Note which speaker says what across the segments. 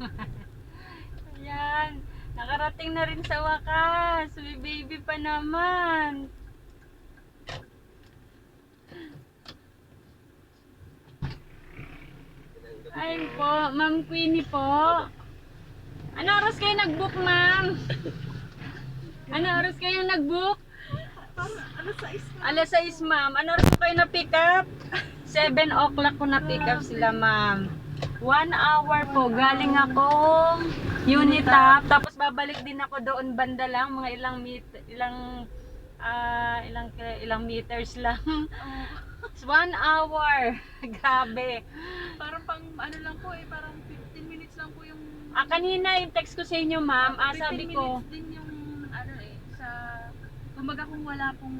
Speaker 1: Ayan. Nakarating na rin sa wakas. May baby pa naman. Ay po, Ma'am Queenie po. Ano oras kayo nag-book, ma'am? Ano oras kayo nag-book? Alas 6, ma'am. Ano oras kayo na-pick up? 7 o'clock ko na-pick up sila, ma'am. 1 hour po. Galing akong Unitap. Tapos babalik din ako doon banda lang. Mga ilang meters lang. 1 hour. Grabe.
Speaker 2: Parang pang ano lang po parang 15 minutes lang po yung...
Speaker 1: Kanina yung text ko sa inyo, ma'am.
Speaker 2: 15
Speaker 1: Sabi ko,
Speaker 2: minutes din yung sa... Kumbaga kung wala pong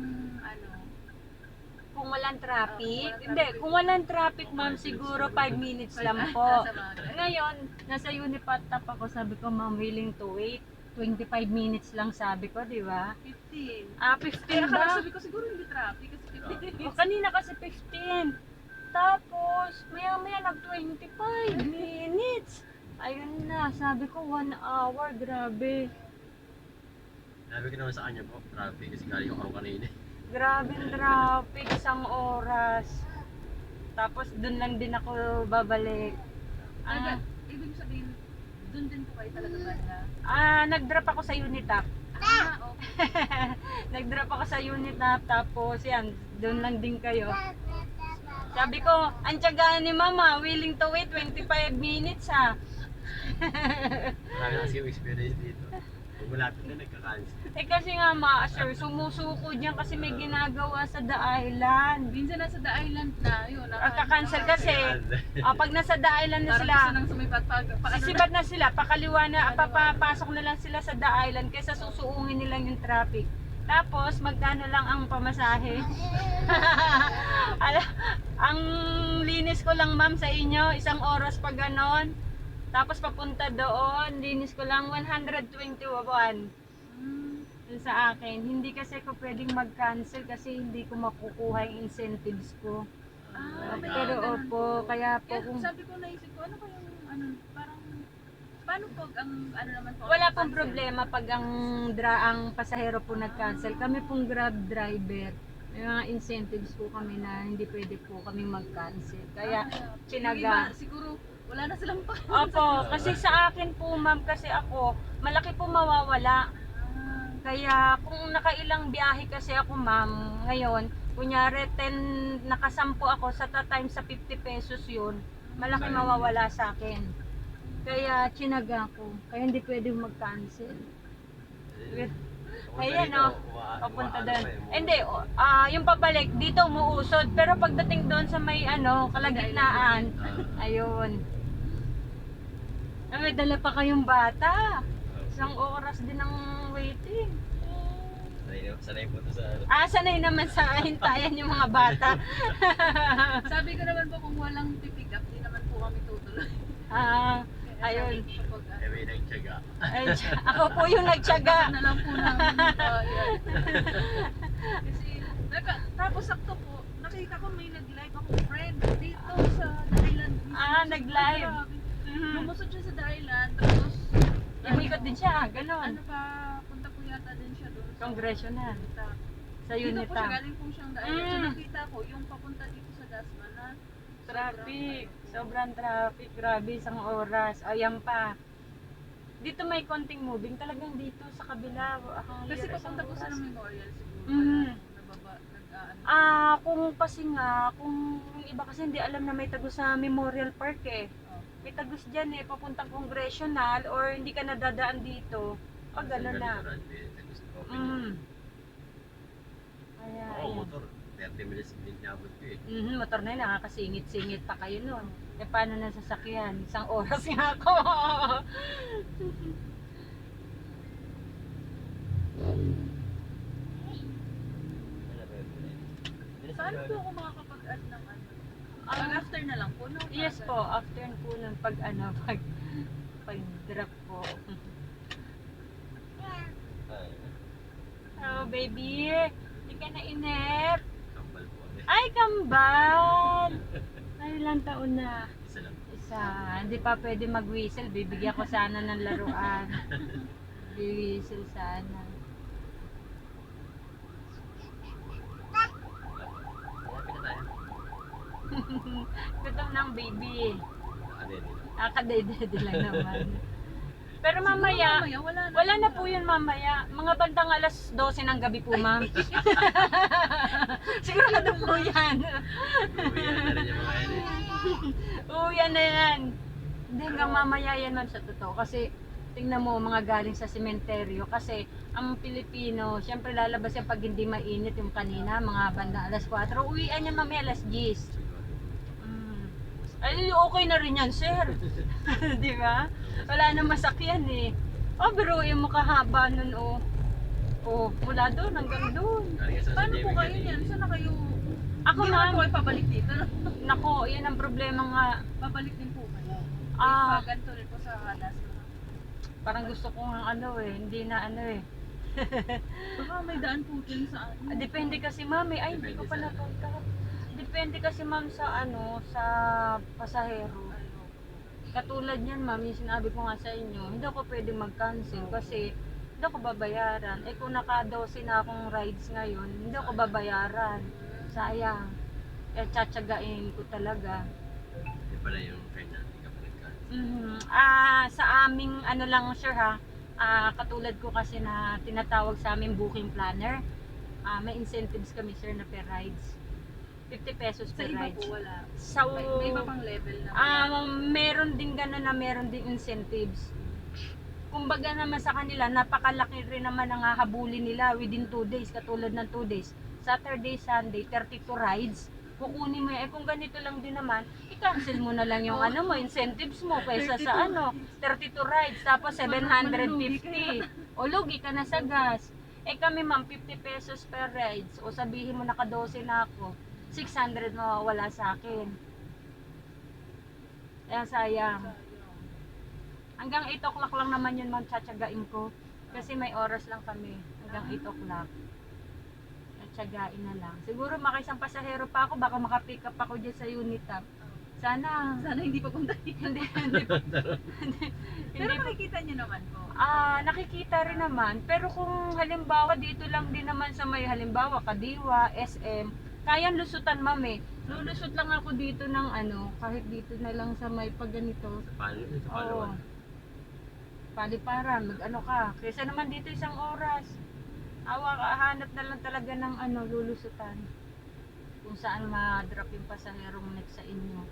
Speaker 1: kung walang traffic.
Speaker 2: walang
Speaker 1: Hindi,
Speaker 2: traffic.
Speaker 1: kung walang traffic, ma'am, siguro 5 minutes lang po.
Speaker 2: Nasa bagay.
Speaker 1: Ngayon, nasa Unipatap ako, sabi ko, ma'am, willing to wait. 25 minutes lang sabi ko, di ba?
Speaker 2: 15.
Speaker 1: 15
Speaker 2: Kaya
Speaker 1: ba?
Speaker 2: sabi ko siguro hindi traffic kasi 15
Speaker 1: O,
Speaker 2: minutes.
Speaker 1: kanina kasi 15. Tapos, maya-maya nag-25 minutes. Ayun na, sabi ko 1 hour, grabe.
Speaker 3: Sabi ko naman sa kanya po, traffic kasi galing ako kanina.
Speaker 1: Grabe ang traffic, isang oras. Tapos, dun lang din ako babalik.
Speaker 2: Ibig sabihin, dun din po kayo talaga banda.
Speaker 1: Nag-drop ako sa Unitap.
Speaker 2: Okay.
Speaker 1: Nag-drop ako sa Unitap, tapos yan, doon lang din kayo. Sabi ko, ang tiyagaan ni mama, willing to wait 25 minutes ha.
Speaker 3: Marami kasi yung experience dito. Pag malapit na nagka-cancel.
Speaker 1: Kasi nga ma, sir, sumusuko diyan kasi may ginagawa sa The Island.
Speaker 2: Minsan nasa the island na, yun.
Speaker 1: Kaka-cancel kasi. Pag nasa The Island na
Speaker 2: Parang
Speaker 1: sila,
Speaker 2: gusto nang sumipag
Speaker 1: sisibat na sila, pakaliwa na, papapasok na lang sila sa The Island kaysa susuungin nila yung traffic. Tapos, magkano lang ang pamasahe? Ang linis ko lang, ma'am, sa inyo, isang oras pa ganon. Tapos papunta doon, linis ko lang 121 yun sa akin. Hindi kasi ako pwedeng mag-cancel kasi hindi ko makukuha yung incentives ko. Pero opo, kaya po kung
Speaker 2: sabi ko, naisip ko, ano kayong, parang, paano pag ang, naman po?
Speaker 1: wala pong problema pag ang pasahero po nag-cancel. Kami pong Grab driver, may mga incentives po kami na hindi pwede po kami mag-cancel. Kaya tinaga.
Speaker 2: Siguro, wala na silang pa.
Speaker 1: Opo, kasi sa akin po, ma'am, kasi ako, malaki po mawawala. Kaya kung nakailang biyahe kasi ako, ma'am, ngayon, kunyari 10, nakasampu ako sa time sa 50 pesos yun, malaki mawawala sa akin. Kaya chinaga ko. Kaya hindi pwedeng mag-cancel. Ayan o, papunta doon. Hindi, yung pabalik, dito umuusod. Pero pagdating doon sa may kalagitnaan, ayun. May dala pa kayong bata. Isang oras din ang waiting.
Speaker 3: Sanay po ito sa ano.
Speaker 1: Sanay naman sa hintayan yung mga bata.
Speaker 2: Sabi ko naman po, kung walang pipick up, di naman po kami tutuloy.
Speaker 1: Ayun.
Speaker 3: Eh may nagtyaga.
Speaker 1: Ay, ako po yung nagtiyaga.
Speaker 2: Na lang po namin yan. Kasi, tapos sakto po, nakita ko may nag-live akong friend dito sa The Island.
Speaker 1: Nag-live.
Speaker 2: Lumusot siya sa The Island, tapos
Speaker 1: Umikot din siya, ganon.
Speaker 2: punta po yata din siya doon.
Speaker 1: Congressional. Sa
Speaker 2: Dito po siya,
Speaker 1: Unita.
Speaker 2: galing po siyang The Island. So nakita ko, yung papunta dito sa Dasma na
Speaker 1: Traffic. Sobrang traffic. Grabe, isang oras. Ayan pa. Dito may konting moving. Talagang dito sa kabila.
Speaker 2: kasi papunta po sa Memorial siguro.
Speaker 1: Mhm.
Speaker 2: Nababa,
Speaker 1: Kung pasinga, kung yung iba kasi hindi alam na may tagos sa Memorial Park eh. May tagos dyan eh, papuntang Congressional or hindi ka nadadaan dito. Gano'n na. Kaya,
Speaker 3: Oo,
Speaker 1: ayan.
Speaker 3: motor. 30 minutes din nabot ko eh.
Speaker 1: Motor na yun, nakakasingit-singit pa kayo nun. Paano na sasakyan? Isang oras nga ako.
Speaker 2: Saan po ako makakapag-add ng after na lang po, no?
Speaker 1: Yes po, after po nun pag-drop po. Oh, baby, hindi ka na inip.
Speaker 3: Kambal po.
Speaker 1: Ay, kambal! Ay, ilang taon na?
Speaker 3: Isa lang po.
Speaker 1: Isa Hindi pa pwede mag-whistle. Bibigyan ko sana ng laruan. Whistle sana.
Speaker 3: Malapit na tayo.
Speaker 1: Gutom ng baby.
Speaker 3: Nakadede.
Speaker 1: Nakadede lang naman. Pero
Speaker 2: Siguro
Speaker 1: mamaya, wala na po yun mamaya. Mga bandang alas 12 ng gabi po, ma'am. Sigurado po yan.
Speaker 3: Uwihan na rin yung mga yan eh.
Speaker 1: Uyan na yan. Hindi hanggang mamaya yan, ma'am, sa totoo. Kasi tingnan mo, mga galing sa sementeryo. Kasi ang Pilipino, syempre lalabas yan pag hindi mainit yung kanina, mga bandang alas 4. Uwian yan mamaya alas 10. Ay, okay na rin yan, sir. Di ba? Wala na masakyan eh. Oh, pero yung makahaba nun, oh. Oh, mula doon hanggang doon.
Speaker 3: Galing sa
Speaker 2: Paano
Speaker 3: San
Speaker 2: po
Speaker 3: Diego
Speaker 2: kayo
Speaker 3: kanina.
Speaker 2: yan? Saan na kayo?
Speaker 1: Ako,
Speaker 2: Hindi naman
Speaker 1: ma'am.
Speaker 2: po kayo pabalik dito. No?
Speaker 1: Nako, yan ang problema nga.
Speaker 2: Pabalik din po kayo.
Speaker 1: Ah.
Speaker 2: Ganito rin po sa Alas.
Speaker 1: Parang gusto ko nga hindi na eh.
Speaker 2: Baka may daan po dyan sa ano.
Speaker 1: Depende kasi, ma'am, eh. Ay, hindi ko pa
Speaker 3: Depende sa-
Speaker 1: napunta. Depende kasi, ma'am, sa sa pasahero. Katulad niyan, ma'am, yung sinabi ko nga sa inyo, hindi ako pwede mag-cancel kasi hindi ako babayaran. Eh kung naka-12 na akong rides ngayon, hindi ako babayaran. Sayang. Eh tsatsagain ko talaga.
Speaker 3: Yun pala yung friend natin kapag nagka.
Speaker 1: Sa aming ano lang sir ha, katulad ko kasi na tinatawag sa aming booking planner, may incentives kami sir na per rides. 50 pesos
Speaker 2: Sa
Speaker 1: per
Speaker 2: iba
Speaker 1: rides.
Speaker 2: po wala.
Speaker 1: Sa
Speaker 2: May iba pang level na.
Speaker 1: meron din gano'n na meron din incentives. Kumbaga naman sa kanila, napakalaki rin naman ang hahabulin nila within 2 days, katulad ng 2 days. Saturday, Sunday, 32 rides. Kukunin mo yan. Eh kung ganito lang din naman, i-cancel mo na lang yung ano mo, incentives mo kaysa sa 32 rides, tapos 750. O lugi ka na sa gas. Eh kami ma'am, 50 pesos per rides. O sabihin mo naka-12 na ako, 600 mawawala sa akin. Kaya sayang. Hanggang 8 o'clock lang naman yun ma'am, tsatsagain ko. Kasi may oras lang kami. Hanggang 8 o'clock. Tsatsagain na lang. Siguro makaisang pasahero pa ako, baka makapick up ako dyan sa Unitap. Sana.
Speaker 2: Sana hindi pa punta dito.
Speaker 1: Hindi
Speaker 2: Pero
Speaker 1: pa.
Speaker 2: makikita nyo naman po.
Speaker 1: Nakikita rin naman. Pero kung halimbawa dito lang din naman sa may halimbawa Kadiwa, SM, kayang lusutan ma'am eh. Lulusot lang ako dito ng kahit dito na lang sa may pag ganito.
Speaker 3: Sa
Speaker 1: Oo.
Speaker 3: Palawan.
Speaker 1: Paliparan, mag ka. Kaysa naman dito isang oras. Hanap na lang talaga ng lulusutan. Kung saan ma-drop yung pasaherong next sa inyo.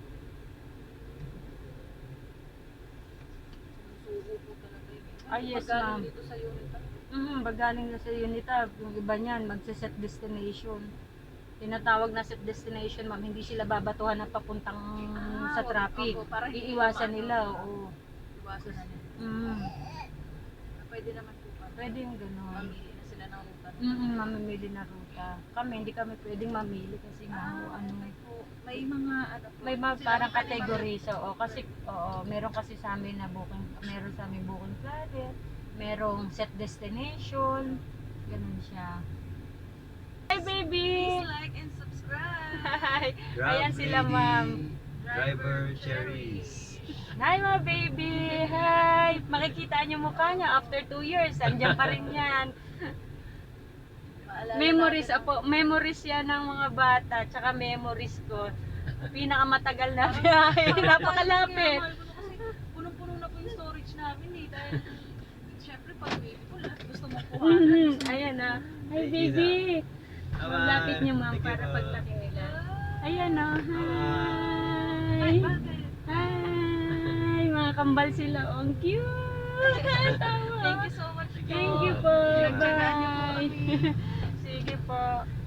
Speaker 2: Sugo po talaga yun.
Speaker 1: Yes,
Speaker 2: Paggaling
Speaker 1: ma'am.
Speaker 2: dito sa unit.
Speaker 1: Bagaling na sa Unitap, yung iba niyan, magse-set destination. Tinatawag na set destination, ma'am, hindi sila babatuhan na papuntang sa traffic.
Speaker 2: Opo, para hindi
Speaker 1: Iiwasan
Speaker 2: maano.
Speaker 1: nila, oo.
Speaker 2: Iwasan na nila. Pwede naman po ba?
Speaker 1: Pwede yung gano'n.
Speaker 2: Mamili na sila ng ruta.
Speaker 1: Mamimili na ruta. Kami, hindi kami pwedeng mamili kasi
Speaker 2: May mga
Speaker 1: may parang category. So, kasi, meron kasi sa amin na booking, meron sa amin booking planner, merong set destination, ganun siya. Hi, baby!
Speaker 2: Please like and subscribe.
Speaker 1: Hi!
Speaker 3: Grab
Speaker 1: Ayan sila,
Speaker 3: lady,
Speaker 1: ma'am.
Speaker 3: Driver cherries.
Speaker 1: Hi, mga baby! Hi! Makikita niyo mukha niya after 2 years. Andiyan pa rin yan.
Speaker 2: Maalala
Speaker 1: Memories,
Speaker 2: natin,
Speaker 1: memories yan ng mga bata. Tsaka memories ko. Pinakamatagal na biyahe. Napakalapit.
Speaker 2: Kaya mahal ko na kasi punong-puno na po yung storage namin eh. Dahil syempre pag baby ko lahat gusto mo kuhanan.
Speaker 1: Ayan na. Hi,
Speaker 3: Hey,
Speaker 1: baby!
Speaker 3: Bye-bye.
Speaker 1: Lapit niyo, ma'am,
Speaker 3: Thank you
Speaker 1: para
Speaker 3: po.
Speaker 1: pag nakilala. Ayan na. Hi!
Speaker 2: Ay, bakit?
Speaker 1: Hi! Mga kambal sila. Oh, ang cute! Tawa.
Speaker 2: Thank you so much po.
Speaker 1: Thank you po.
Speaker 2: Pinagtsagaan niyo po
Speaker 1: Bye.
Speaker 2: kami.
Speaker 1: Sige po.